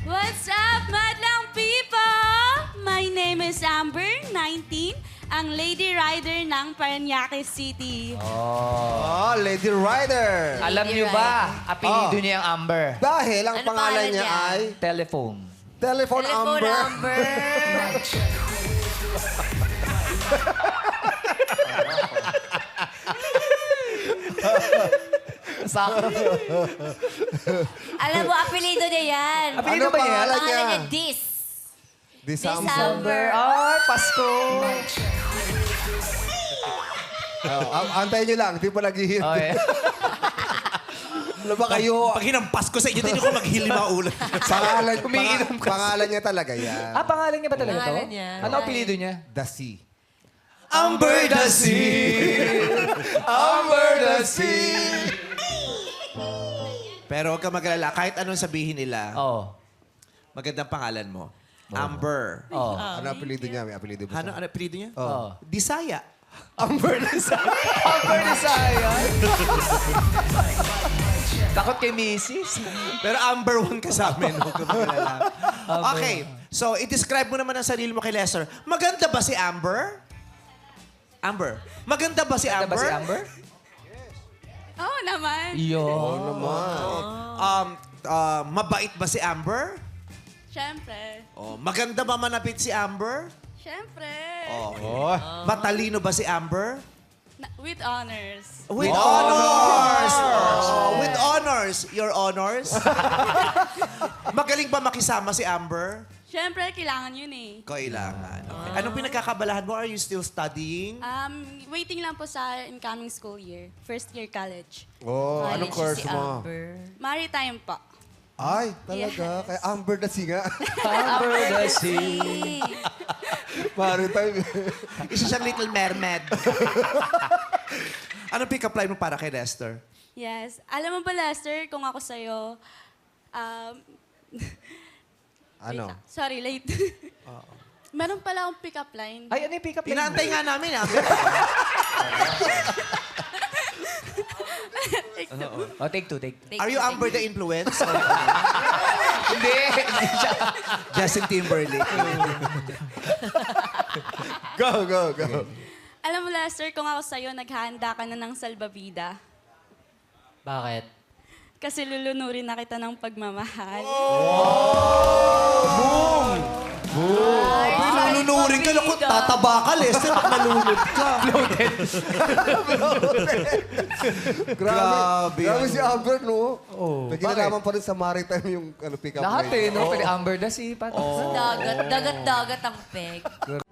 What's up, madlang people? My name is Amber, 19, ang Lady Rider ng Parañaque City. Oh, Lady Rider. Alam niyo ba, apelido niya ang Amber? Dahil ang Ano pangalan pangalan niya niya? ay Telephone. Telephone Amber. Amber. Sakto. Alam mo, apelido niya yan. Apelido Ano ba niya? pangalan Pangalan niya, niya? Dis. December. December. Ay, Pasko. Antayin niyo lang, di pa naghihintay. Okay. Ano ba kayo? Pag hinampas ko sa inyo, hindi ko maghili mga ulo. Pangalan niya talaga yan. Pangalan niya ba talaga to? Pangalan niya. Ano apelido niya? The Sea. Amber the Sea. Amber the Sea. Pero huwag ka mag-alala, kahit anong sabihin nila, Oh. magandang pangalan mo. Amber. Oh. Ano apelido niya? May apelido ba Ano, siya? ano apelido niya? Oh. Disaya. Amber the Sea. Amber the Saya. Takot kay Mrs. Pero Amber 1 ka sa amin. Huwag ka mag-alala. Okay. So, i-describe mo naman ang sarili mo kay Lester. Maganda ba si Amber? Amber. Maganda ba si Ano Amber? ba si Amber? Oo naman. Iyo. Mabait ba si Amber? Siyempre. Oh, maganda ba manapit si Amber? Siyempre. Okay. Matalino ba si Amber? With honors. With honors! Oh, with honors. Your honors? Magaling ba makisama si Amber? Siyempre, kailangan yun eh. Kailangan. Okay. Anong pinagkakabalahan mo? Are you still studying? Waiting lang po sa incoming school year. First year college. Oh, anong course mo? Maritime po. Ay, talaga. Kaya Amber the Sea nga. Amber the Sea. Maritime. Isa siyang little mermaid. Anong pick-up line mo para kay Lester? Yes. Alam mo ba, Lester, kung ako sa'yo, Ano? sorry, late. Meron pala akong pick-up line. Ay, ano yung pick-up line? Inaantay nga namin, ah. Oh, take two, take two. Are you Amber the influence? Hindi. Hindi siya. Justin Timberlake. Go, go, go. Alam mo, Lester, kung ako sa'yo, naghahanda ka na ng salbabida. Bakit? Kasi lulunurin na kita ng pagmamahal. Nanunurin ka, naku, tataba ka, Lester, pag nalunod ka. Grabe. Grabe si Amber, no? May kinalaman pa rin sa maritime yung pick-up Lahat line. eh, no? Pwede Amber the Sea. Dagat ang peg.